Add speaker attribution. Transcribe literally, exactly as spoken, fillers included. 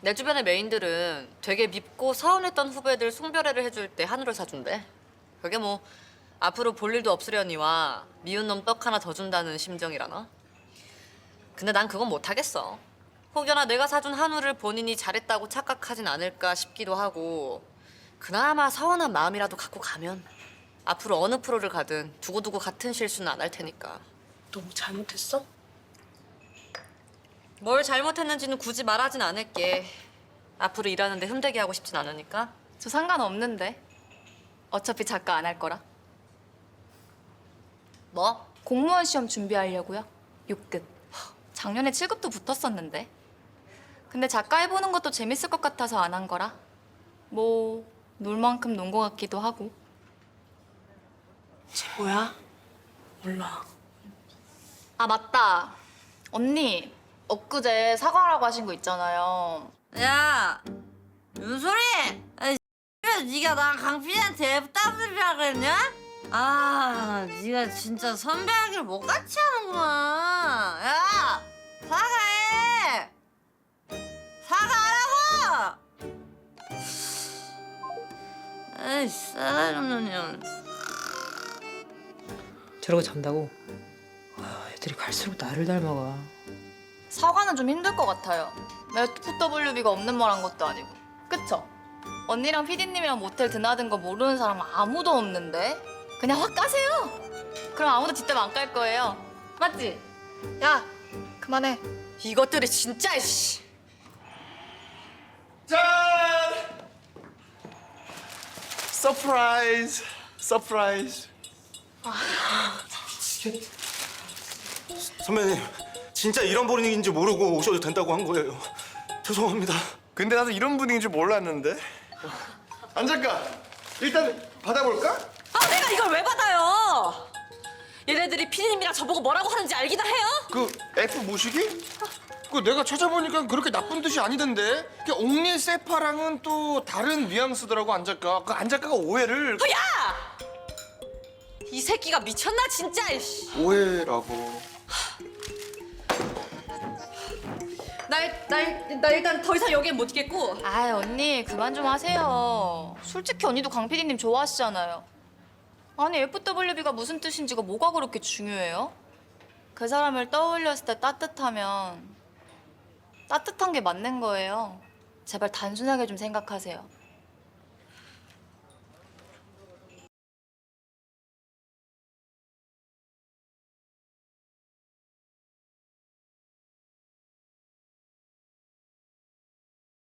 Speaker 1: 내 주변의 메인들은 되게 밉고 서운했던 후배들 송별회를 해줄 때 한우를 사준대. 그게 뭐 앞으로 볼 일도 없으려니와 미운 놈 떡 하나 더 준다는 심정이라나? 근데 난 그건 못하겠어. 혹여나 내가 사준 한우를 본인이 잘했다고 착각하진 않을까 싶기도 하고 그나마 서운한 마음이라도 갖고 가면 앞으로 어느 프로를 가든 두고두고 같은 실수는 안 할 테니까.
Speaker 2: 너 뭐 잘못했어?
Speaker 1: 뭘 잘못했는지는 굳이 말하진 않을게. 앞으로 일하는데 흠되게 하고 싶진 않으니까.
Speaker 3: 저 상관없는데. 어차피 작가 안 할 거라.
Speaker 1: 뭐?
Speaker 3: 공무원 시험 준비하려고요. 육 급. 작년에 칠 급도 붙었었는데. 근데 작가 해보는 것도 재밌을 것 같아서 안 한 거라. 뭐 놀 만큼 논 것 같기도 하고.
Speaker 2: 쟤 뭐야? 몰라.
Speaker 3: 아 맞다. 언니 엊그제 사과하라고 하신 거 있잖아요.
Speaker 1: 야, 윤소리! 아이, 네가 나 강필이한테 애따블이라 그랬냐? 아, 네가 진짜 선배하길 못같이 하는구나. 야, 사과해! 사과하라고! 에이, 싸가지 없는 년.
Speaker 4: 저러고 잔다고? 아, 애들이 갈수록 나를 닮아가.
Speaker 3: 사과는 좀 힘들 것 같아요. 에프더블유비가 없는 말 한 것도 아니고. 그쵸? 언니랑 피디님이랑 모텔 드나든 거 모르는 사람 아무도 없는데? 그냥 확 까세요. 그럼 아무도 뒷담 안 깔 거예요. 맞지? 야, 그만해.
Speaker 1: 이것들이 진짜, 씨.
Speaker 5: 짠! 서프라이즈! 서프라이즈!
Speaker 6: 선배님, 진짜 이런 분위기인지 모르고 오셔도 된다고 한 거예요. 죄송합니다.
Speaker 5: 근데 나도 이런 분위기인 줄 몰랐는데. 안 작가, 일단 받아볼까?
Speaker 1: 아, 내가 이걸 왜 받아요? 얘네들이 피디님이랑 저보고 뭐라고 하는지 알기나 해요?
Speaker 5: 그 F 모시기? 그 내가 찾아보니까 그렇게 나쁜 뜻이 아니던데. 그 옥리 세파랑은 또 다른 뉘앙스더라고, 안 작가. 그 안 작가가 오해를.
Speaker 1: 야! 이 새끼가 미쳤나 진짜. 이씨.
Speaker 5: 오해라고.
Speaker 1: 나, 나, 나 일단 더 이상 여기에 못 있겠고.
Speaker 3: 아이 언니 그만 좀 하세요. 솔직히 언니도 강 피디님 좋아하시잖아요. 아니 에프더블유비가 무슨 뜻인지가 뭐가 그렇게 중요해요? 그 사람을 떠올렸을 때 따뜻하면 따뜻한 게 맞는 거예요. 제발 단순하게 좀 생각하세요.